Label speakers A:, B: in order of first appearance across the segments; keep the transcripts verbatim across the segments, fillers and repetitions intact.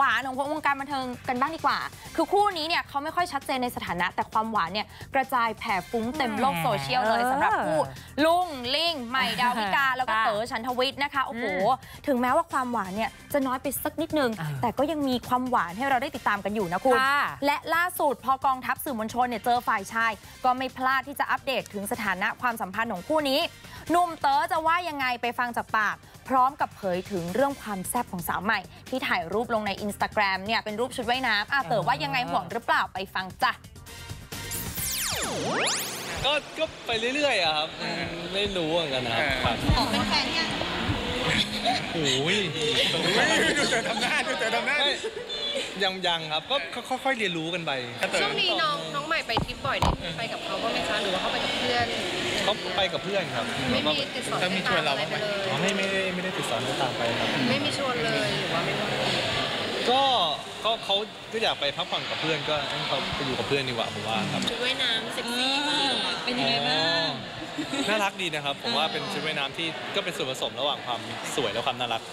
A: านของวงการบันเทิงกันบ้างดีกว่าคือคู่นี้เนี่ยเขาไม่ค่อยชัดเจนในสถานะแต่ความหวานเนี่ยกระจายแผ่ฟุ้งเต็มโลกโซเชียลเลยสำหรับคู่ลุงลิงใหม่ดาวิกาแล้วก็เต๋อฉันทวิทย์นะคะโอ้โหถึงแม้ว่าความหวานเนี่ยจะน้อยไปสักนิดนึงแต่ก็ยังมีความหวานให้เราได้ติดตามกันอยู่นะคุณและล่าสุดพอกองทัพสื่อมวลชนเนี่ยเจอฝ่ายชายก็ไม่พลาดที่จะอัปเดตถึงสถานะความสัมพันธ์ของคู่นี้หนุ่มเต๋อจะว่ายังไงไปฟังจากปากพร้อมกับเผยถึงเรื่องความแซ่บของสาวใหม่ที่ถ่ายรูปลงใน อินสตาแกรม เนี่ยเป็นรูปชุดว่ายน้ำอ่ะเต๋อว่ายังไงห่วงหรือเปล่าไปฟังจ้ะ
B: ก็ก็ไปเรื่อยๆอะครับไม่รู้เหมือนกันนะครับ
C: ขอเป็นแฟนยัง
B: โอ้ย
D: ดูเต๋อทำหน้าดูเต๋อทำหน้า
B: ยังยังครับก็ค่อยๆเรียนรู้กันไป
C: ช่วงนี้น้องน้องใหม่ไปทริปบ่อยได้ไปกับเขาบ้างไหมคะหรือว่าเขาไปกับเพื่อน
B: เขาไปกับเพื่อนครับ
C: ไม่มีติดสอนให้ตามอะไรไปเลย
B: ไม่ไม่ได้ไม่ได้ติดสอนให้ตามไปครับ
C: ไม่มีชวนเลยหรือว่าไม่
B: ก็ก็เขาก็อยากไปพักผ่อนกับเพื่อนก็ให้เขาไปอยู่กับเพื่อนดีกว่าผมว่าครับ
C: ชุดว่ายน้ำเซ็กซี่เป็นยังไงบ้าง
B: น่ารักดีนะครับผมว่าเป็นชุดว่ายน้ำที่ก็เป็นส่วนผสมระหว่างความสวยและความน่ารัก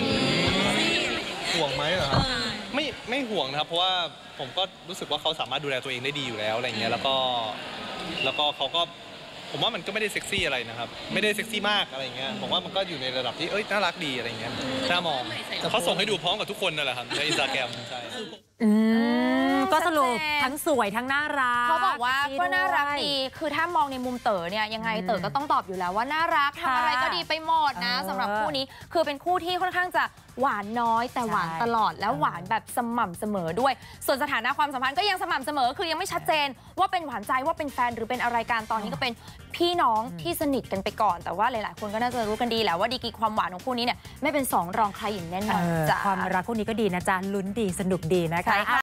B: ห่วงไหมเหรอครับไม่ไม่ห่วงนะครับเพราะว่าผมก็รู้สึกว่าเขาสามารถดูแลตัวเองได้ดีอยู่แล้วอะไรเงี้ยแล้วก็แล้วก็เขาก็ผมว่ามันก็ไม่ได้เซ็กซี่อะไรนะครับไม่ได้เซ็กซี่มากอะไรเงี้ยผมว่ามันก็อยู่ในระดับที่เอ้ยน่ารักดีอะไรเงี้ยน่ามองเขาส่งให้ดูพร้อมกับทุกคนนั่นแหละครับในอินสตาแกรมใช่
E: ก็สรุปทั้งสวยทั้งน่ารัก
A: เขาบอกว่าก็น่ารักดีคือถ้ามองในมุมเต๋อเนี่ยยังไงเต๋อก็ต้องตอบอยู่แล้วว่าน่ารักทำอะไรก็ดีไปหมดนะสำหรับคู่นี้คือเป็นคู่ที่ค่อนข้างจะหวานน้อยแต่หวานตลอดแล้วหวานแบบสม่ำเสมอด้วยส่วนสถานะความสัมพันธ์ก็ยังสม่ำเสมอคือยังไม่ชัดเจนว่าเป็นหวานใจว่าเป็นแฟนหรือเป็นอะไรกันตอนนี้ก็เป็นพี่น้องที่สนิทกันไปก่อนแต่ว่าหลายๆคนก็น่าจะรู้กันดีแหละว่าดีกรีความหวานของคู่นี้เนี่ยไม่เป็นสองรองใครอย่างแน่นอนจ้ะ
E: ความรักคู่นี้ก็ดีนะจ๊ะลุ้นดีสนุกดีนะคะ